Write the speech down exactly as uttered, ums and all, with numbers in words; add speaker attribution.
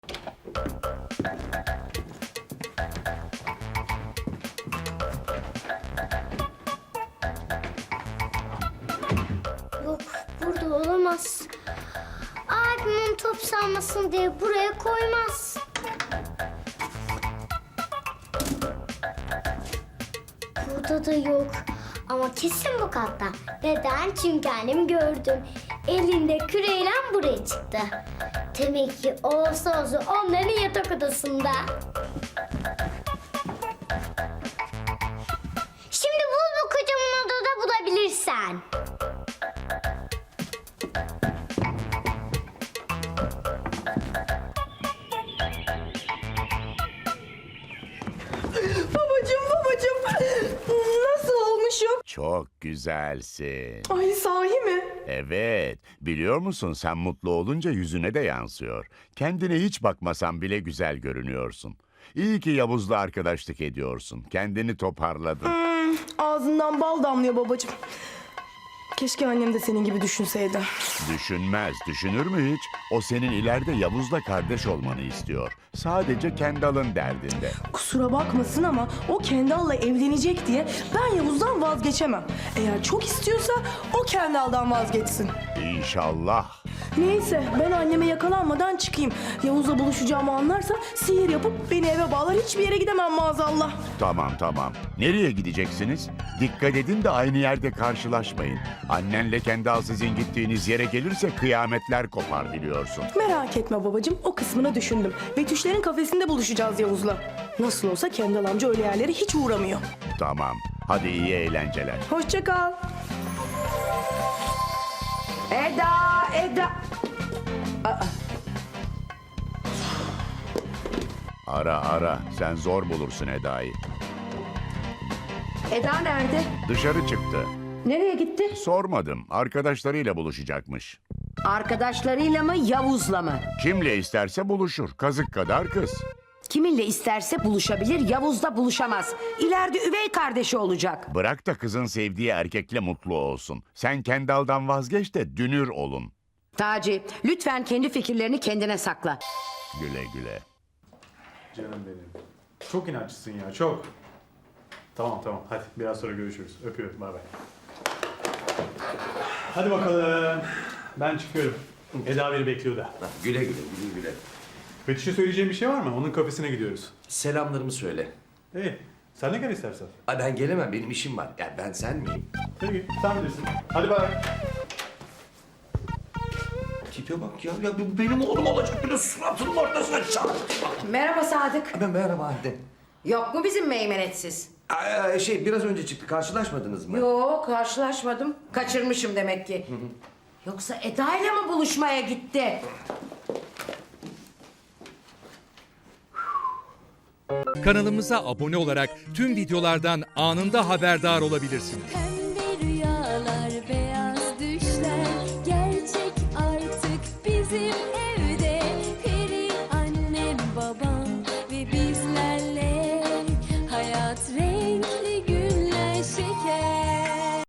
Speaker 1: Yok, burada olamaz. Abimin top salmasın diye buraya koymaz. Burada da yok. Ama kesin bu katta. Neden? Çünkü annem gördüm. Elinde küreyle buraya çıktı. Demek ki olsa olsa onların yatak odasında. Şimdi bul bu kocaman odada bulabilirsen.
Speaker 2: Babacığım babacığım nasıl olmuşum?
Speaker 3: Çok güzelsin.
Speaker 2: Ay sahi mi?
Speaker 3: Evet, biliyor musun sen mutlu olunca yüzüne de yansıyor. Kendine hiç bakmasan bile güzel görünüyorsun. İyi ki Yavuz'la arkadaşlık ediyorsun. Kendini toparladın.
Speaker 2: Hmm, ağzından bal damlıyor babacığım. Keşke annem de senin gibi düşünseydi.
Speaker 3: Düşünmez, düşünür mü hiç? O senin ileride Yavuz'la kardeş olmanı istiyor. Sadece Kendall'ın derdinde.
Speaker 2: Kusura bakmasın ama o Kendall'la evlenecek diye ben Yavuz'dan vazgeçemem. Eğer çok istiyorsa o Kendall'dan vazgeçsin.
Speaker 3: İnşallah.
Speaker 2: Neyse ben anneme yakalanmadan çıkayım. Yavuz'la buluşacağımı anlarsa sihir yapıp beni eve bağlar, hiçbir yere gidemem maazallah.
Speaker 3: Tamam tamam. Nereye gideceksiniz? Dikkat edin de aynı yerde karşılaşmayın. Annenle Kendall sizin gittiğiniz yere gelirse kıyametler kopar biliyorsun.
Speaker 2: Merak etme babacığım, o kısmını düşündüm. Betüşlerin kafesinde buluşacağız Yavuz'la. Nasıl olsa Kendall amca öyle yerlere hiç uğramıyor.
Speaker 3: Tamam. Hadi iyi eğlenceler.
Speaker 2: Hoşça kal.
Speaker 4: Eda, Eda.
Speaker 3: Ara ara. Sen zor bulursun Eda'yı.
Speaker 4: Eda nerede?
Speaker 3: Dışarı çıktı.
Speaker 4: Nereye gitti?
Speaker 3: Sormadım. Arkadaşlarıyla buluşacakmış.
Speaker 4: Arkadaşlarıyla mı, Yavuz'la mı?
Speaker 3: Kimle isterse buluşur. Kazık kadar kız.
Speaker 4: Kiminle isterse buluşabilir, Yavuz'la buluşamaz. İleride üvey kardeşi olacak.
Speaker 3: Bırak da kızın sevdiği erkekle mutlu olsun. Sen Kendall'dan vazgeç de dünür olun.
Speaker 4: Taci, lütfen kendi fikirlerini kendine sakla.
Speaker 3: Güle güle.
Speaker 5: Canım benim. Çok inatçısın ya, çok. Tamam tamam, hadi biraz sonra görüşürüz. Öpüyorum, bay bay. Hadi bakalım. Ben çıkıyorum. Eda beni bekliyor da.
Speaker 6: Güle güle, güle güle.
Speaker 5: Betüş'e söyleyeceğim bir şey var mı? Onun kafesine gidiyoruz.
Speaker 6: Selamlarımı söyle.
Speaker 5: İyi, sen de gel istersen.
Speaker 6: Ay ben gelemem, benim işim var. Ya ben sen miyim?
Speaker 5: Peki, sen bilirsin. Hadi bay.
Speaker 6: Tipe bak ya, ya bu benim oğlum olacak, bir de suratının ortasına çarptı.
Speaker 4: Merhaba Sadık.
Speaker 6: Ben merhaba Halide.
Speaker 4: Yok mu bizim meymenetsiz?
Speaker 6: Ay, şey biraz önce çıktı, karşılaşmadınız mı?
Speaker 4: Yok, karşılaşmadım. Kaçırmışım demek ki. Yoksa Eda ile mi buluşmaya gitti?
Speaker 7: Kanalımıza abone olarak tüm videolardan anında haberdar olabilirsiniz.